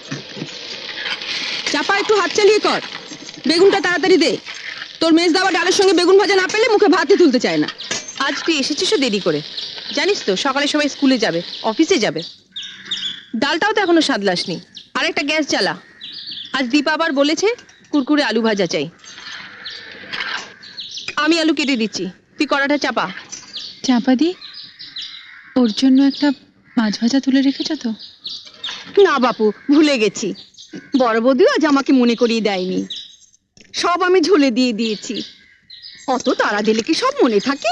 চাপা, একটু হাত চালিয়ে কর। বেগুনটা তাড়াতাড়ি দে। তোর মেজ দাওয়া ডালের সঙ্গে বেগুন ভাজা না পেলে মুখে ভাতই তুলতে চায় না। আজ তুই এসেছিস দেরি করে, জানিস তো সকালে সবাই স্কুলে যাবে, অফিসে যাবে। ডালটাও তো এখনো সাদলাসনি। আর একটা গ্যাস জ্বালা। আজ দীপা আবার বলেছে কুরকুরে আলু ভাজা চাই। আমি আলু কেটে দিচ্ছি, তুই কড়াটা চাপা। চাপা দি, ওর জন্য একটা মাছ ভাজা তুলে রেখেছ তো? না বাপু, ভুলে গেছি। বড় বৌদিও আজ আমাকে মনে করিয়ে দেয়নি। সব আমি ঝুলে দিয়ে দিয়েছি। অত তাড়া দিলে কি সব মনে থাকে?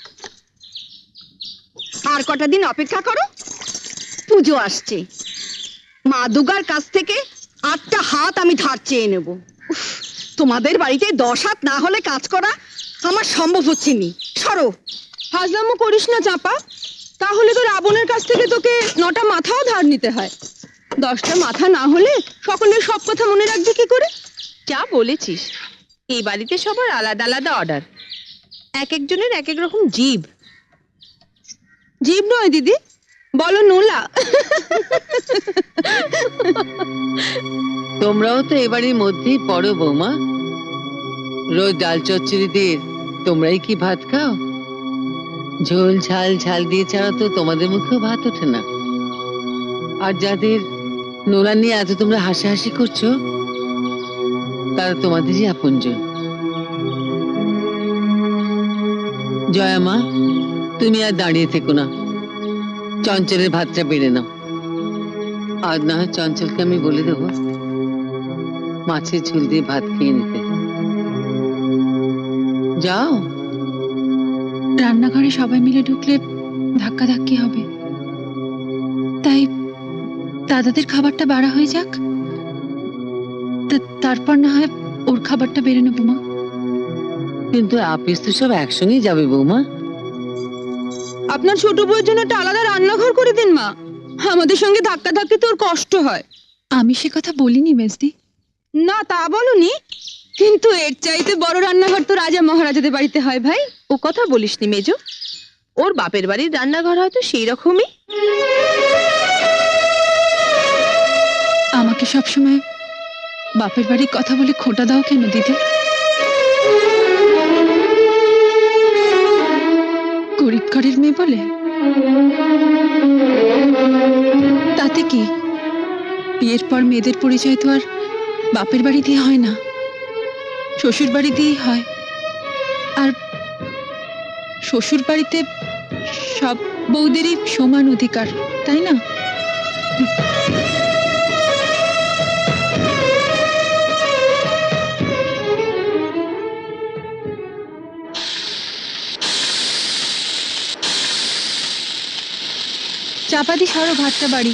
আর কটা দিন অপেক্ষা করো, পুজো আসছে। মা দুর্গার কাছ থেকে 8টা হাত আমি ধার চেয়ে নেব। উফ, তোমাদের বাড়িতে 10 হাত না হলে কাজ করা আমার সম্ভব হচ্ছে নি। সরো। হাজলামো করিস না চাপা, তাহলে তো রাবণের কাছ থেকে তোকে 9টা মাথাও ধার নিতে হয়। 10টা মাথা না হলে সকলের সব কথা মনে রাখবি কি করে? যা বলেছিস, এই বাড়িতে সবার আলাদা আলাদা অর্ডার, এক একজনের এক এক রকম জিভ। জীব নয় দিদি, বলো নোলা। তোমরাও তো এবারের মধ্যেই পড়ো বৌমা। রোজ ডাল চচ্চড়ি দিয়ে তোমরাই কি ভাত খাও? ঝোল ঝাল ঝাল দিয়ে ছাড়া তো তোমাদের মুখেও ভাত ওঠে না। আর যাদের নোলা নিয়ে এত তোমরা হাসাহাসি করছো, তারা তোমাদেরই আপনজন। জয়া মা, তুমি আর দাঁড়িয়ে থেকো না, চঞ্চলের ভাতটা বেড়ে নাও। আর না হয় চঞ্চলকে আমি বলে দেবো মাছের ঝোল দিয়ে ভাত খেয়ে নিতে। যাও। রান্নাঘরে সবাই মিলে ঢুকলে ধাক্কাধাক্কি হবে, তাই দাদাদের খাবারটা বাড়া হয়ে যাক, তারপর না হয় ওর খাবারটা বেড়ে নেবো মা। কিন্তু আপিস তো সব একসঙ্গেই যাবে বৌমা। আপনার ছোট বউয়ের জন্য একটা আলাদা রান্নাঘর করে দিন মা, আমাদের সঙ্গে ধাক্কা ধাক্কি তোর কষ্ট হয়। আমি সে কথা বলিনি মেজদি। না তা বলনি, কিন্তু এর চাইতে বড় রান্নাঘর তো রাজা মহারাজাদের বাড়িতে হয় ভাই। ও কথা বলিসনি মেজো, ওর বাপের বাড়ির রান্নাঘর হয়তো সেই রকমই। আমাকে সবসময় বাপের বাড়ির কথা বলে খোঁটা দাও কেন দিদি? গরিব ঘরের মেয়ে বলে? তাতে কি, বিয়ের পর মেয়েদের পরিচয় তো আর বাপের বাড়ি দিয়ে হয় না, শ্বশুর বাড়ি দিয়েই হয়। আর শ্বশুর বাড়িতে সব বউদেরই সমান অধিকার, তাই না? চাপাতি সরো, ভাতটা বাড়ি।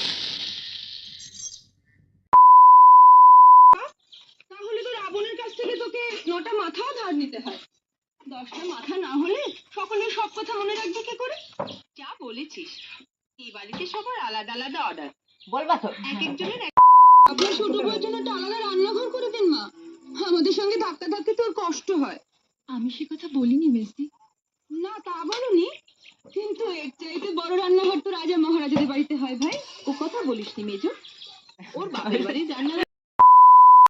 তাহলে তো রাবণের কাছ থেকে তোকে 9টা মাথাও ধার নিতে হয়। 10টা মাথা না হলে সকলের সব কথা মনে রাখবি কি করে? যা বলেছিস, এই বাড়িতে সবার আলাদা আলাদা অর্ডার, বলবা তো? এক একজনের এক। আপনার ছোট বউয়ের জন্য একটা আলাদা রান্নাঘর করে দিন মা, আমাদের সঙ্গে ধাক্কা ধাক্কি তোর কষ্ট হয়। আমি সে কথা বলিনি মেজদি। না তা বলনি, কিন্তু এর চাইতে বড় রান্নাঘর তো রাজা মহারাজাদের বাড়িতে হয় ভাই। ও কথা বলিসনি মেজো, ওর বাপের বাড়ির রান্না